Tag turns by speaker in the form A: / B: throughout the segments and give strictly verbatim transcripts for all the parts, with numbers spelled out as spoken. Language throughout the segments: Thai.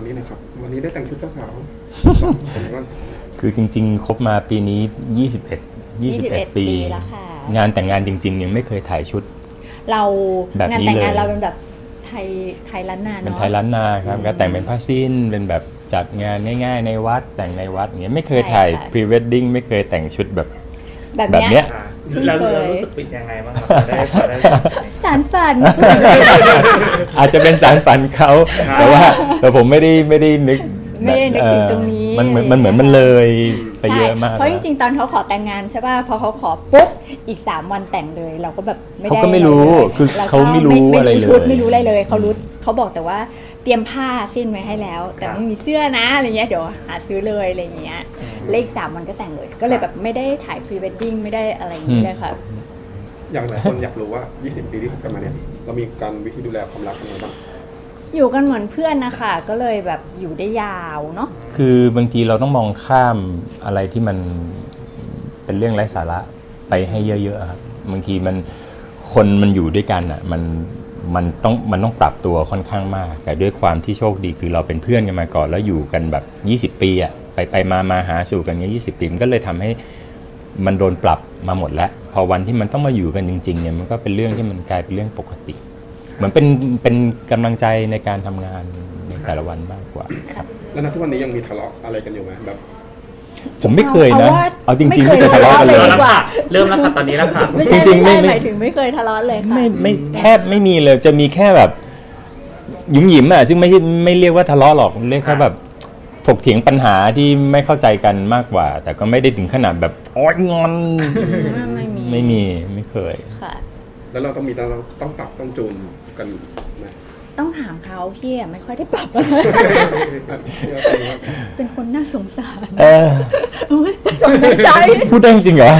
A: นี้นะครับวันนี้ได้แต่งชุดเจ้าสาว
B: คือจริงๆคบมาปีนี้ยี่สิบเอ็ด ยี่สิบเอ็ดปี
C: แล้วค่ะ
B: งานแต่งงานจริงๆยังไม่เคยถ่ายชุด
C: เรา
B: แบบนี้
C: งานแต่งงาน
B: เลย
C: เราเป็นแบบไทยไทยล้านนาเนาะ
B: เป็นไทยล้านนาครับก็แต่งเป็นผ้าสิ้นเป็นแบบจัดงานง่ายๆในวัดแต่งในวัดอย่างเงี้ยไม่เคยถ่ายพรีเวดดิ้งไม่เคยแต่งชุดแบบ
C: แบบ
B: แบบ
C: เนี้
B: เนี้
C: ย
B: ย
D: เราเรารู้สึกเป็นยังไงบ้างครับได้ได้
C: สารฝัน
B: อาจจะเป็นสารฝันเขาแต่ว่าแต่ผมไม่ได้ไม่ได้นึก
C: ไม่ได้นึกถึงตรงนี้
B: มันเหมือนมันเหมือนมันเลยไปเยอะมาก
C: เพราะจริงๆตอนเขาขอแต่งงานใช่ป่ะพอเขาขอปุ๊บอีกสามวันแต่งเลยเราก็แบบไม่ได้
B: เขาก็ไม่รู้คือเขาไม่รู้อะไรเลย
C: ชุดไม่รู้อะไรเลยเขารู้เขาบอกแต่ว่าเตรียมผ้าสิ้นไว้ให้แล้ว แต่ไม่มีเสื้อนะอะไรเงี้ยเดี๋ยวหาซื้อเลยอะไรเงี้ยเลขสามวันก็แต่งเลย ก็เลยแบบไม่ได้ถ่ายพรีเวดดิ้งไม่ได้อะไรอย่างนี้เลยค่ะ
A: อย่างหลายคนอยากรู้ว่ายี่สิบปีที่คบกันมาเนี่ยเรามีการวิธีดูแลความรักยังไงบ้าง
C: อยู่กันเหมือนเพื่อนนะคะก็เลยแบบอยู่ได้ยาวเนาะ
B: คือบางทีเราต้องมองข้ามอะไรที่มันเป็นเรื่องไร้สาระไปให้เยอะๆครับบางทีมันคนมันอยู่ด้วยกันอ่ะมันมันต้องมันต้องปรับตัวค่อนข้างมากแต่ด้วยความที่โชคดีคือเราเป็นเพื่อนกันมาก่อนแล้วอยู่กันแบบยี่สิบปีอ่ะไปไปมามาหาสู่กันเงี้ยยี่สิบปีมันก็เลยทำให้มันโดนปรับมาหมดแล้วพอวันที่มันต้องมาอยู่กันจริงๆเนี่ยมันก็เป็นเรื่องที่มันกลายเป็นเรื่องปกติเหมือนเป็นเป็นกำลังใจในการทำงานในแต่ละวันมากกว่าครับ
A: แล้วณทุกวันนี้ยังมีทะเลาะอะไรกันอยู่ไหมแบบ
B: ผมไม่เคยนะ
C: เอาว่า
B: เอาจริงๆไม่เคยทะเลาะกันเลย
C: ไม่เคยทะเลาะเลยดีกว่า
D: เริ่มแล้วค่ะตอนนี้แล้วค่ะ
C: ไม่ใช่
B: จริงๆ
C: ไม่
B: ไม่
C: ใช่หมายถึงไม่เคยทะเลาะเลยค่ะ
B: ไม่ไม่แทบไม่มีเลยจะมีแค่แบบหยุมหยิมอ่ะซึ่งไม่ไม่เรียกว่าทะเลาะหรอกเรียกแค่แบบถกเถียงปัญหาที่ไม่เข้าใจกันมากกว่า แต่ก็ไม่ได้ถึงขนาดแบบอ๋องอน
C: ไม่มี
B: ไม่มีไม่เคย
C: ค่ะ
A: แล้วเราต้องมีเราต้องปรับต้องจูนกันไหม
C: ต้องถามเขาพี่อะไม่ค่อยได้ปรับอะไรเป็นคนน่าสงสาร
B: เออ
C: อุ๊ยถอนหายใจ
B: พูดได้จริงเหรอ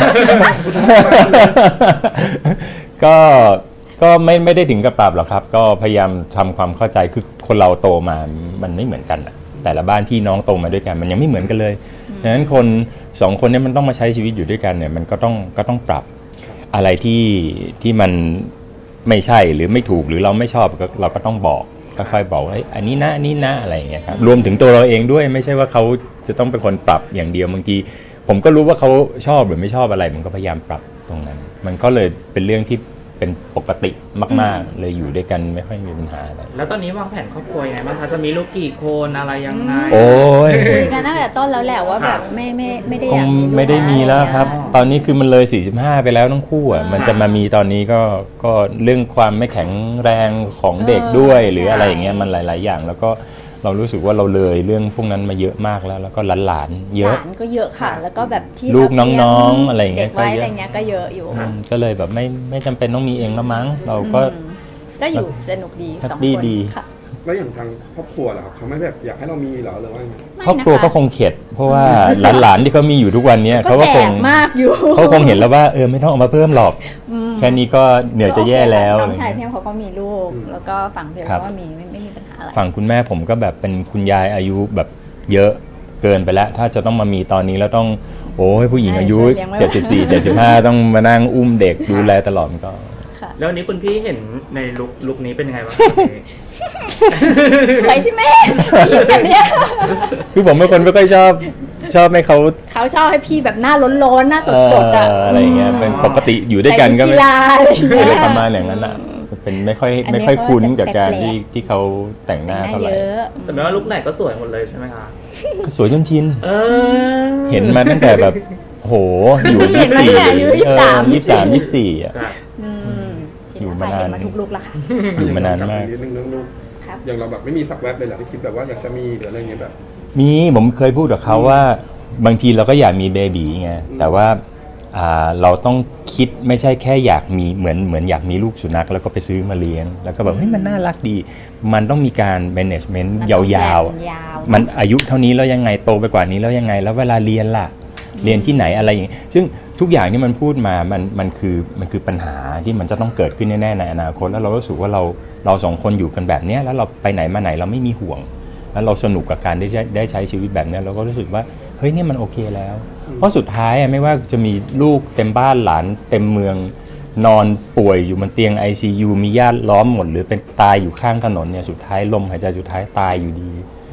B: ก็ก็ไม่ไม่ได้ถึงกับปรับหรอกครับ ก็พยายามทำความเข้าใจคือคนเราโตมามันไม่เหมือนกันอะแต่ละบ้านพี่น้องโตมาด้วยกันมันยังไม่เหมือนกันเลยดังนั้นคนสองคนนี้มันต้องมาใช้ชีวิตอยู่ด้วยกันเนี่ยมันก็ต้องก็ต้องปรับอะไรที่ที่มันไม่ใช่หรือไม่ถูกหรือเราไม่ชอบก็เราก็ต้องบอกค่อยๆบอกว่าอันนี้นะอันนี้นะอะไรอย่างเงี้ยครับรวมถึงตัวเราเองด้วยไม่ใช่ว่าเขาจะต้องเป็นคนปรับอย่างเดียวบางทีผมก็รู้ว่าเขาชอบหรือไม่ชอบอะไรมันก็พยายามปรับตรงนั้นมันก็เลยเป็นเรื่องที่เป็นปกติมากๆเลยอยู่ด้วยกันไม่ค่อยมีปัญหาอะไร
D: แล้วตอนนี้วางแผนครอบครัวยังไงบ้างคะจะมีลูกกี่คนอะไรยังไง
B: โอ้ย
C: คุยกันตั้งแต่ต้นแล้วแหละว่าแบบไม่ไม่ไม่ได้
B: ค
C: อง ยากมีลูก
B: ไม่ได้มีแล้วครับ
C: อะไอย่างเงี้ย
B: ตอนนี้คือมันเลยสี่สิบห้าไปแล้วทั้งคู่อ่ะมันจะมามีตอนนี้ก็ก็เรื่องความไม่แข็งแรงของเด็กด้วยหรืออะไรอย่างเงี้ยมันหลายๆอย่างแล้วก็เรารู้สึกว่าเราเลยเรื่องพวกนั้นมาเยอะมากแล้วแล้วก็หลานๆเยอะ
C: หลานก็เยอะค่ะ แล้วก็แบบที่
B: ลูก
C: รับเลี้ย
B: น้องๆอะไรอย่างเงี้ย
C: ด็กไว้
B: ก็เยอะ
C: อะไรเงี้ยก็เยอะอยู่
B: อืมก็เลยแบบไม่ไม่จำเป็นต้องมีเองแล้วมั้งเราก็
C: อืมก็อยู่สนุกดี
B: แฮป
C: สอง
B: ปี้
C: คน
B: ดี
C: ค่ะ
A: แล้วอย่างทางครอบครัวล่ะครับเขาไม่แบบอยากให้เรามีเหรอหรือว่าไง
B: ครอบครัวก็คงเข็ดเพราะว่าหลานๆที่เขามีอยู่ทุกวันเนี้ยเขาก็คง
C: แสบมากอยู่
B: เขาคงเห็นแล้วว่าเออไม่ต้องเอามาเพิ่มหรอก
C: อืม
B: แค่นี้ก็เหนื่อยจะแย่แล้ว
C: น้
B: อะ
C: อ
B: ไรง
C: ชาย
B: เงี้ย
C: เพียงเขาก็มีลูก แล้วก็ฝั่งเพียง
B: ครับ
C: เขาก็มีไม่ไม่มีปัญหาอะไร
B: ฝั่งคุณแม่ผมก็แบบเป็นคุณยายอายุแบบเยอะเกินไปแล้ว ถ้าจะต้องมามีตอนนี้แล้วต้องโอ้ยผู้หญิงอายุเจ็ดสิบสี่ เจ็ดสิบห้าต้องมานั่งอุ้มเด็กดูแลตลอดมันก็
C: ค่ะ
D: แล้ววันนี้คุณพี่เห็นในลุคลุคนี้เป็นยังไงบ้าง
C: สวยใช่ไหมพี่แบบเนี้ย
B: คือผมเป็นคนไม่ค่อยชอบชอบให้เขา
C: เขาชอบให้พี่แบบหน้าล้นๆหน้าสดๆอ่ะ
B: เอ่ออะไรอย่างเงี้ยเป็นปกติอยู่ด้วยกันก็
C: ใส่
B: ไม่
C: กีฬาอะไรอย่างเงี้ย
B: อะไรประมาณอย่างนั้นอ่ะเป็นไม่ค่อย
C: อันนี้
B: ไม่ค่อยคุ้นกับการ
C: แปลกๆ
B: ที่ที่เขาแต่งหน้า
C: หน้า
B: เท่าไหร่
C: เยอะ
D: แต่ไม่ว่าลุคไหนก็สวยหมดเลยใช่ไหมคะ
B: ก็สวยจนชิน
D: เออ
B: เห็นมาตั้งแต่แบบโหอยู่
C: เห็
B: ยี่
C: น
B: สิบ
C: มา
B: สี่
C: ตั้งแต่อายุ
B: ยี่สิบสามยี่สิบสี่อ่ะ
D: ครับ
C: อืม
B: อยู่มานาน
C: เห็มาทุกลุกแล้วค่ะ
B: อยู่มานานมาก
A: นิดนึงเรื่องลูก
C: ครับ
A: อย่างเราแบบไม่มีสักแวบเลยเหรอที่คิดแบบว่าอยากจะมีหรืออะไรเงี้ยแบบ
B: มีผมเคยพูดกับเขาว่าบางทีเราก็อยากมีเบบีไงแต่ว่าอ่าเราต้องคิดไม่ใช่แค่อยากมีเหมือนเหมือนอยากมีลูกสุนัขแล้วก็ไปซื้อมาเลี้ยงแล้วก็แบบเฮ้ยมันน่ารักดี มันต้องมีการ management
C: มัน
B: ย
C: ต้อง
B: าว
C: แพลนยาว
B: ๆมันอายุเท่านี้แล้วยังไงโตไปกว่านี้แล้วยังไงแล้วเวลาเรียนล่ะเรียนที่ไหนอะไรอย่างเงี้ยซึ่งทุกอย่างที่มันพูดมามันมันคือมันคือปัญหาที่มันจะต้องเกิดขึ้นแน่ๆในอนาคตแล้วเรารู้สึกว่าเราเราสองคนอยู่กันแบบเนี้ยแล้วเราไปไหนมาไหนเราไม่มีห่วง แล้วเราสนุกกับการได้ใช้ได้ใช้ชีวิตแบบนี้เราก็รู้สึกว่าเฮ้ยนี่มันโอเคแล้ว เพราะสุดท้ายไม่ว่าจะมีลูกเต็มบ้านหลานเต็มเมืองนอนป่วยอยู่บนเตียง ไอ ซี ยู มีญาติล้อมหมดหรือเป็นตายอยู่ข้างถนนเนี่ยสุดท้ายลมหายใจสุดท้ายตายอยู่ดี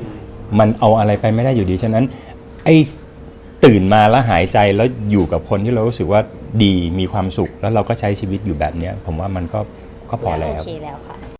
B: มันเอาอะไรไปไม่ได้อยู่ดีฉะนั้นไอ้ตื่นมาแล้วหายใจแล้วอยู่กับคนที่เรารู้สึกว่าดีมีความสุขแล้วเราก็ใช้ชีวิตอยู่แบบเนี้ยผมว่ามันก็ก็พอแล้ว
C: โอเคแล้วค่ะ